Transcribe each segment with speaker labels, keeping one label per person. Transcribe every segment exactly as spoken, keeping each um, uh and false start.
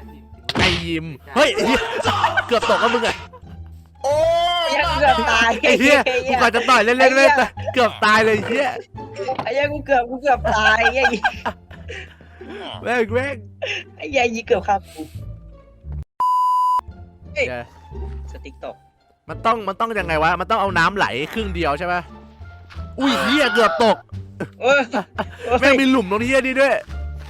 Speaker 1: ไอยิมเฮ้ยเกือบตกแล้วมึงอะ
Speaker 2: โอ้ยเกือบตาย
Speaker 1: ไอ้เหี้ยกูกะจะต่อยเล่นๆเล่นเกือบตายเลยเหี้ย
Speaker 2: ไอ้เหี้ยกูเกือบกูเกือบตายไอ้
Speaker 1: แม่งแม่ง
Speaker 2: ไอ้เหี้ยยี่เกือบฆ่ากูสติ๊กตก
Speaker 1: มันต้องมันต้องยังไงวะมันต้องเอาน้ำไหลครึ่งเดียวใช่ไหมอุ้ยเหี้ยเกือบตกแม่งมีหลุมตรงนี้เหี้ยนี่ด้วย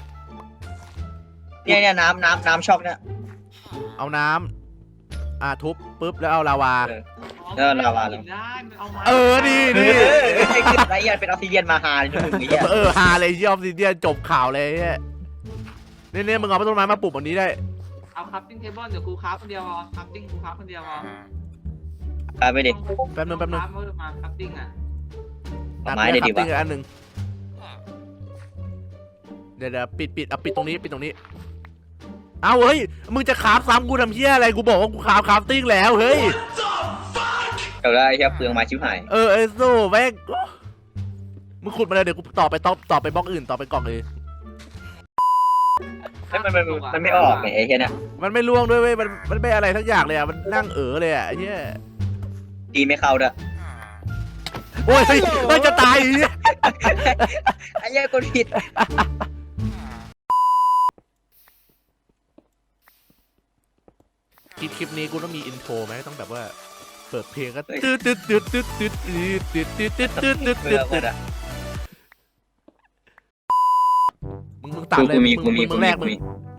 Speaker 2: เนี่ยเนี่ยน้ำน้ำน้ำช็อกเนี่ย
Speaker 1: เอาน้ำอ่ะทุบปุ๊บแล้วเอาลาวา
Speaker 2: เออลาวาเลย
Speaker 1: เออดีดี
Speaker 2: ไอ้คือไรยันเป็นออฟซิเดียนมาฮาเลยมึงไอ้เหี้ย
Speaker 1: เออฮาเลยยอมซิเดียนจบข่าวเลยเนี่ยเนี่ยเนี่ยมึงเอาต้นไม้มาปลูกแบบนี้ได้
Speaker 3: เอาคัพติ้งเทเบิลเดี๋ยวกูคัพคนเดียวเอาคัพติ้งกูคัพคนเดียวเอา
Speaker 2: ไปไปดิ
Speaker 1: แป๊บนึงแป๊บนึง
Speaker 3: มาคัพติ้งอ่ะ
Speaker 2: ไม้เดี๋ยวดิวะ
Speaker 1: อันหนึ่งเดี๋ยวเดี๋ยวปิดปิดเอาปิดตรงนี้ปิดตรงนี้เอาเฮ้ยมึงจะคราฟซ้ำกูทำเหี้ยอะไรกูบอกว่ากูคราฟคราฟติ้งแล้วเฮ้ย
Speaker 2: เดี๋ยวได้แค่เปลืองไม้ชิบหาย
Speaker 1: เออไอ้โซ่แม่งมึงขุดมาเลยเดี๋ยวกูต่อไปต่อต่อไปบล็อกอื่นต่อไปกล่องเลย
Speaker 2: มันมันมันไม่ออกไอ้เหี้ยเนี่ย
Speaker 1: มันไม่ล่วงด้วยเว้ยมันมันไม่อะไรทั้งอย่างเลยอ่ะมันนั่งเอ๋อเลยอ่ะไอ้เหี้ย
Speaker 2: ตีไม่เข้าด้วย
Speaker 1: โอ้ยมันจะตายอีก
Speaker 2: ไอ้เหี้ยกดผิด
Speaker 1: คลิปคลิปนี้กูต้องมีอินโทรไหมต้องแบบว่าเปิดเพลงก็ตืดตืดตืดตืดตืดตืดตืดตืดตืดตืดตืดตืดมึงมึงตัดเลยมึงมึงแรกมึง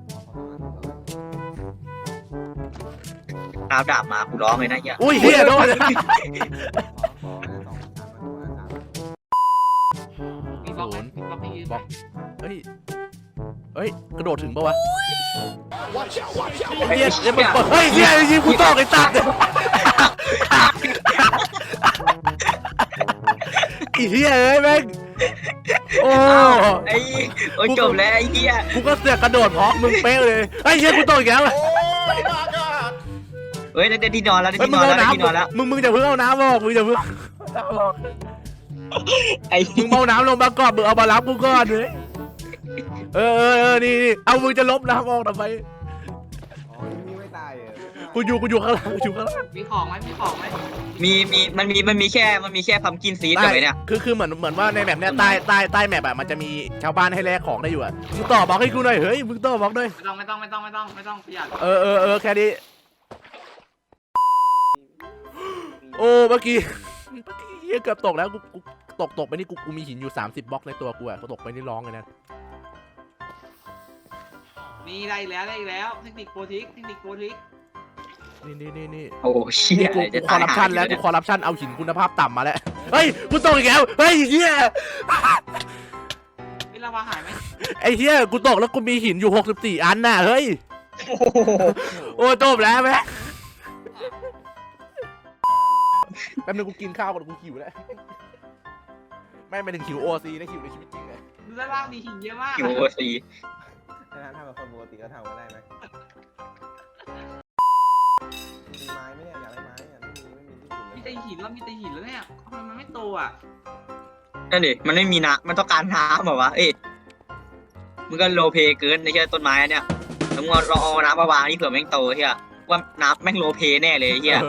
Speaker 2: เอาดาบมากูร้องเลยนะเหี้ย
Speaker 1: อุ้ยเฮียโดน
Speaker 3: มีบล็อกไหมมีบล็อกให้ยืนบล็อก
Speaker 1: เฮ้ยเฮ้ยกระโดดถึงปะวะเฮียเฮียมันเฮ้ยเฮียยิงกูตอกไอ้ตัดไอ้เฮียเอ้ยแม่งโอ้
Speaker 2: ไอ้โอ้จบแล้วไอ้เฮีย
Speaker 1: กูก็เสือกกระโดดเพราะมึงเป๊ะเลยไอ้เฮียกูตอกอีกแล้ว
Speaker 2: เฮ้ยได้ที่นอนแล้วได้ที่นอนแล้วได้ที่นอนแล้ว
Speaker 1: มึงมึงจะเพิ่งเอาน้ำออกมึงจะเพิ่ง
Speaker 2: ไอ้
Speaker 1: มึงเอาน้ำลงมาก่อนมึงเอามารับกูก่อนเลยเออเออเออนี่นี่เอามึงจะลบน้ำออกทำไมกูอยู่กูอยู่ข้างล่างกูอยู่ข้างล่าง
Speaker 3: มีของไหมมีของไหม
Speaker 2: มีมีมันมีมันมีแค่มันมีแค่พัมกินซีดกับไอ้เนี่ย
Speaker 1: คือคือเหมือนเหมือนว่าในแมปเนี้ยใต้ใต้ใต้แมปอะมันจะมีชาวบ้านให้แลกของได้อยู่อะมึงต่อบล็อกให้กูหน่อยเฮ้ยมึงต่อบล็อกด้วย
Speaker 3: ไม่ต้องไม่ต้องไม่ต้องไม่ต้องไม่ต้องประหยัด
Speaker 1: เออเออเออแค่นี้โอ้เมื่อกี้เมื่อกี้เฮียเกือบตกแล้วกูกูตกตกไปนี่กูกูมีหินอยู่สามสิบบล็อกในตัวกูอะกูตกไปนี่ร้องเลยนะ
Speaker 3: นี่ได้แล้วได้แล้วเทคนิคโปรทิกเทคนิคโปรทิก
Speaker 1: นี่นี่นี่นี่
Speaker 2: โอ้เชี่ย
Speaker 1: กูคอร์รัปชันแล้วกูคอร์รัปชันเอาหินคุณภาพต่ำมาแล้วเฮ้ยกูตกอีกแล้วเฮ้ยเฮีย
Speaker 3: ไอ้ลาวาหายไหม
Speaker 1: ไอ้เฮียกูตกแล้วกูมีหินอยู่หกสิบสี่อันน่ะเฮ้ยโอ้จบแล้วแม่แป๊บนึงกูกินข้าวก่อนกูหิวแล้วไม่ไม่ถึงหิวโอซีนะหิวในชีวิตจริงเลย
Speaker 3: ดูด้านล่างมีหินเยอะมาก
Speaker 2: หิวโอซี
Speaker 4: ถ้าทำแบบคนปกติก็ทำกันได้ไหมมีไม้ไหมเนี่ยอยากได้ไม้เนี่ยไม่มีไม่มีที่
Speaker 3: ขุดมีแต่หินแล้วมีแต่หินแล้วเนี่ยทำไมมันไม่โตอ่ะ
Speaker 2: นั่นดิมันไม่มีน้ำมันต้องการน้ำเหรอวะเอ้ยมึงก็โลเพเกินในแค่ต้นไม้เนี่ยแล้วมึงรอเอาน้ำมาวางนี่เผื่อแม่งโตเฮียว่าน้ำแม่งโลเพแน่เลยเฮีย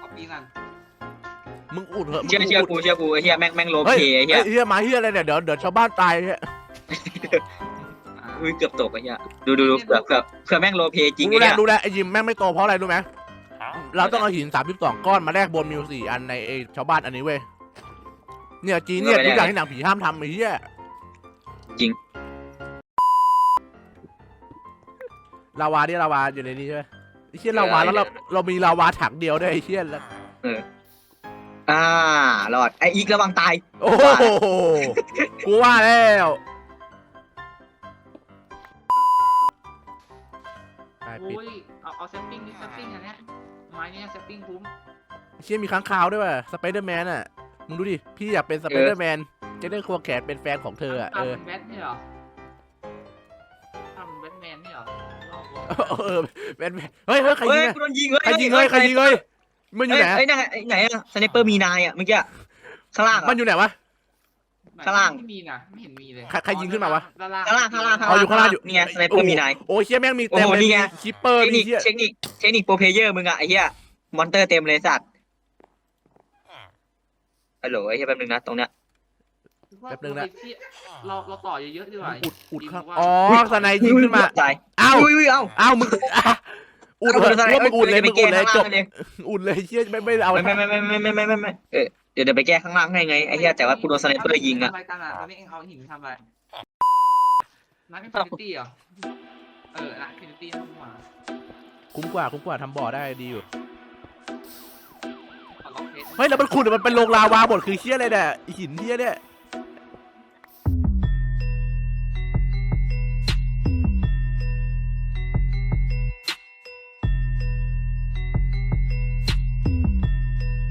Speaker 1: มึงอุดเหอะ
Speaker 2: เชื่อเชื่อกูเชื่อกูเฮียแม่งแม่งโลเพเฮีย
Speaker 1: เฮียมาเฮียอะไรเนี่ยเดี๋ยวเดี๋ยวชาวบ้านตายเฮีย
Speaker 2: อุ้ยเกือบตกไอ้เหี้ยดูดูดูเผื่อเผื่อเผื่อแม่งโลเพจริงไอ้
Speaker 1: เนี่ยรู้แล้วไอ้ยิมแม่งไม่โตเพราะอะไรรู้ไหมเราต้องเอาหินสามสิบสองก้อนมาแลกบนมิวสี่อันในชาวบ้านอันนี้เว้ยเนี่ยจีเนี่ยทุกอย่างที่หนังผีห้ามทำไอ้เหี้ย
Speaker 2: จริง
Speaker 1: ลาวาที่ลาวาอยู่ในนี้ใช่ไหมไอ้เหี้ยลาวาแล้วเราเรามีลาวาถังเดียวด้วยไอ้เหี้ยแล้ว
Speaker 2: เอออ่ารอดไอ้อีกระวังตาย
Speaker 1: โอ้โหกูว่าแล้ว
Speaker 3: โอ้ยเอาเอาแซปปิ้งนี่แซปปิ้งอันเนี้ยไม้เนี่ยแซปปิ้งคุ้ม
Speaker 1: เชี่ยมีค้างคาวด้วยว่ะสไปเดอร์แมนอ่ะมึงดูดิพี่อยากเป็นสไปเดอร์แมนจะได้ควงแขนเป็นแฟนของเธออ่ะเออ
Speaker 3: ทำแบทเนี่ยหรอทำแบทแมนเนี่ยหรอ
Speaker 1: เออแบทแมนเฮ้ยเฮ้ยใครยิงใครยิงเฮ้ยใครยิงเฮ้ยมันอยู่ไหน
Speaker 2: ไอ้ไหนไอ้ไหนอะสไนเปอร์มีนายอะเมื่อกี้ข้างล่าง
Speaker 1: มันอยู่ไหนวะ
Speaker 2: ข้างล่าง
Speaker 3: ไม่มีนะไม่เห็นมีเลย
Speaker 1: ใครใครยิงขึ้นมาวะ
Speaker 3: ด้านล่าง
Speaker 2: ข้างล่างข้างล่างข้าง
Speaker 1: อ๋อ
Speaker 2: ล่าง
Speaker 1: อยู่ข้างล่างอยู่
Speaker 2: นี่ไงสไนเปอร์มีนาย
Speaker 1: โอ้ยเชี่ยแม่งมีเต็ม
Speaker 2: โอ้โห
Speaker 1: เลย
Speaker 2: นี่ไง
Speaker 1: มีคิปเปอร์
Speaker 2: เทค
Speaker 1: มี
Speaker 2: นิค
Speaker 1: เชี่ย
Speaker 2: เทคนิคเทคนิคโปรเพลเยอร์มึงอะไอ้เหี้ยมอนเตอร์เต็มเลยสัตว์ฮัลโหลไอ้เหี้ยแป๊บนึงนะตรงเนี้ย
Speaker 1: แป๊บนึงนะ
Speaker 3: เราเราต่อเยอะๆดีกว่า
Speaker 1: อุดอุดข้าง
Speaker 3: ยิงว่า
Speaker 1: อ๋อสไนยิงขึ้นมา
Speaker 2: ตาย
Speaker 1: อ้าว
Speaker 2: อุ้ยอุ้ยเอ้า
Speaker 1: อ้าวมึงอ่ะอุด
Speaker 2: เอา
Speaker 1: เลย
Speaker 2: สไน
Speaker 1: ว่ามึงอุดเลย
Speaker 2: เอ้
Speaker 1: มึงอุดเลย
Speaker 2: ไปแก้
Speaker 1: จบ
Speaker 2: ข้างล่างเลย
Speaker 1: อุดเลยเชี่ยไม่ไม่เอา
Speaker 2: ไม่ไม่ไม่ไม่ไม่ไม่ไม่ไม่เออเดี๋ยวเดี๋ยวไปแก้ข้างล่างให้ไงไอ้เหี้ยแต่ว่ากูโดนสไนเปอร์ยิงอะ
Speaker 3: ทำอะไรกันอ่ะตอนนี้เองเอาหินทำอะไรนักอินฟินิตี้เหรอเออนักอินฟินิตี้ทั้งหมด
Speaker 1: คุ้มกว่าคุ้มกว่าทำบ่อได้ดีอยู่
Speaker 3: ขอล็อกเพชร
Speaker 1: เฮ้ยแล้วมันขุดมันเป็นโรงลาวาหมดคือเชี่ยอะไรเนี่ยหินเชี่ยเนี่ย